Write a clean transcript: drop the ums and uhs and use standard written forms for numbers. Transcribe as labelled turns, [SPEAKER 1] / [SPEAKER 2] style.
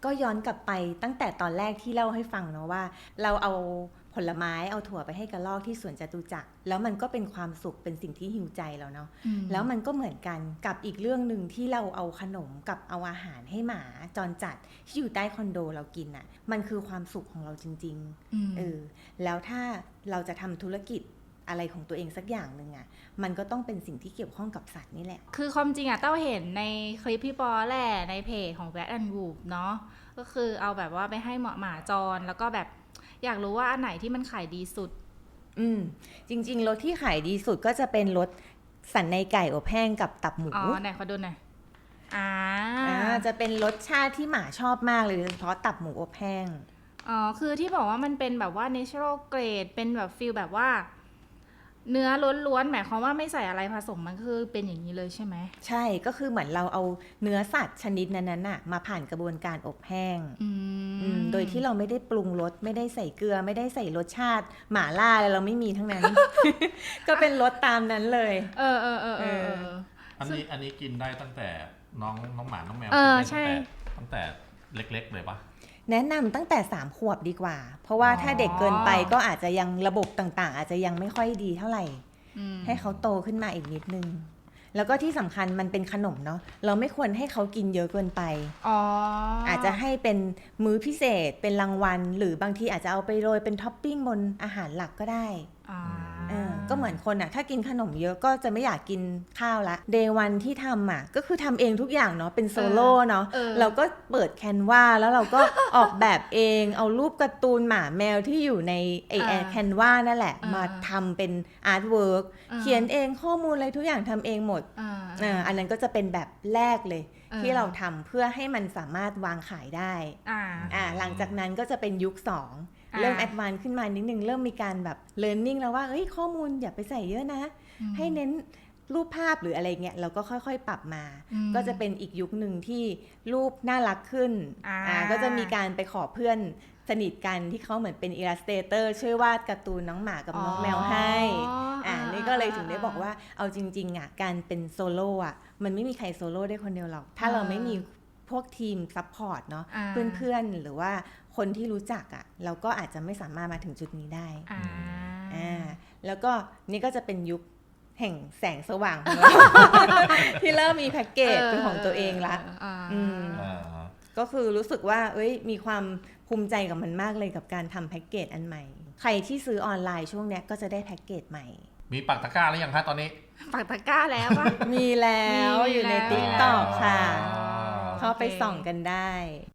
[SPEAKER 1] ก็ย้อนกลับไปตั้งแต่ตอนแรกที่เล่าให้ฟังเนาะว่าเราเอาผลไม้เอาถั่วไปให้กระรอกที่สวนจตุจักรแล้วมันก็เป็นความสุขเป็นสิ่งที่หิวใจเราเนาะแล้วมันก็เหมือนกันกับอีกเรื่องนึงที่เราเอาขนมกับเอาอาหารให้หมาจรจัดที่อยู่ใต้คอนโดเรากินอ่ะมันคือความสุขของเราจริงๆแล้วถ้าเราจะทำธุรกิจอะไรของตัวเองสักอย่างหนึ่งอ่ะมันก็ต้องเป็นสิ่งที่เกี่ยวข้องกับสัตว์นี่แหละ
[SPEAKER 2] คือความจริงอะเต้าเห็นในคลิปพี่ปอแหละในเพจของ Rat and Wolf เนาะก็คือเอาแบบว่าไปให้หมาจรแล้วก็แบบอยากรู้ว่าอันไหนที่มันขายดีสุด
[SPEAKER 1] จริงๆรสที่ขายดีสุดก็จะเป็นรสสันในไก่อบแห้งกับตับหมู
[SPEAKER 2] ไหนขอดูหน่อย
[SPEAKER 1] จะเป็นรสชาติที่หมาชอบมากเลยเพราะตับหมูอบแห้ง
[SPEAKER 2] คือที่บอกว่ามันเป็นแบบว่า natural grade เป็นแบบฟีลแบบว่าเนื้อล้วนๆหมายความว่าไม่ใส่อะไรผสมมันคือเป็นอย่างนี้เลยใช่ไหม
[SPEAKER 1] ใช่ก็คือเหมือนเราเอาเนื้อสัตว์ชนิดนั้นน่ะมาผ่านกระบวนการอบแห้งโดยที่เราไม่ได้ปรุงรสไม่ได้ใส่เกลือไม่ได้ใส่รสชาติหม่าล่าอะไรเราไม่มีทั้งนั้น ก็เป็นรสตามนั้นเลย
[SPEAKER 3] อันนี้กินได้ตั้งแต่น้องหมาน้องแมว
[SPEAKER 2] ใช่
[SPEAKER 3] ตั้งแต่เล็กๆเลยปะ
[SPEAKER 1] แนะนำตั้งแต่3 ขวบดีกว่าเพราะว่าถ้าเด็กเกินไปก็อาจจะยังระบบต่างๆอาจจะยังไม่ค่อยดีเท่าไหร่ให้เขาโตขึ้นมาอีกนิดนึงแล้วก็ที่สำคัญมันเป็นขนมเนาะเราไม่ควรให้เขากินเยอะเกินไปอาจจะให้เป็นมื้อพิเศษเป็นรางวัลหรือบางทีอาจจะเอาไปโรยเป็นท็อปปิ้งบนอาหารหลักก็ได้ก็เหมือนคนอ่ะถ้ากินขนมเยอะก็จะไม่อยากกินข้าวละเดย์วันที่ทำอ่ะก็คือทำเองทุกอย่างเนาะเป็นโซโล่เนาะเราก็เปิดแคนวาแล้วเราก็ออกแบบเองเอารูปการ์ตูนหมาแมวที่อยู่ในไอแคนวานั่นแหละมาทำเป็นอาร์ตเวิร์กเขียนเองข้อมูลอะไรทุกอย่างทำเองหมดอันนั้นก็จะเป็นแบบแรกเลยที่เราทำเพื่อให้มันสามารถวางขายได้หลังจากนั้นก็จะเป็นยุค2เริ่มแอดวานซ์ขึ้นมานิดนึงเริ่มมีการแบบเลิร์นนิ่งแล้วว่าข้อมูลอย่าไปใส่เยอะนะให้เน้นรูปภาพหรืออะไรเงี้ยเราก็ค่อยๆปรับมาก็จะเป็นอีกยุคหนึ่งที่รูปน่ารักขึ้นก็จะมีการไปขอเพื่อนสนิทกันที่เขาเหมือนเป็นอิลลัสเตเตอร์ช่วยวาดการ์ตูนน้องหมากับน้องแมวให้นี่ก็เลยถึงได้บอกว่าเอาจริงๆอ่ะการเป็นโซโล่อ่ะมันไม่มีใครโซโล่ได้คนเดียวหรอกถ้าเราไม่มีพวกทีมซัพพอร์ตเนาะเพื่อนๆหรือว่าคนที่รู้จักอ่ะเราก็อาจจะไม่สามารถมาถึงจุดนี้ได้แล้วก็นี่ก็จะเป็นยุคแห่งแสงสว่างของเรา ที่เริ่มมีแพ็กเกจเป็นของตัวเองละก็คือรู้สึกว่ามีความภูมิใจกับมันมากเลยกับการทำแพ็กเกจอันใหม่ใครที่ซื้อออนไลน์ช่วงเนี้ยก็จะได้แพ็กเกจใหม่
[SPEAKER 3] มีปักตะกร้าหรือยังคะตอนนี้
[SPEAKER 2] ปักตะกร้าแล้วป่ะ
[SPEAKER 1] มีแล้วอยู่ใน TikTok ค่ะเข้าไปส่องกันได้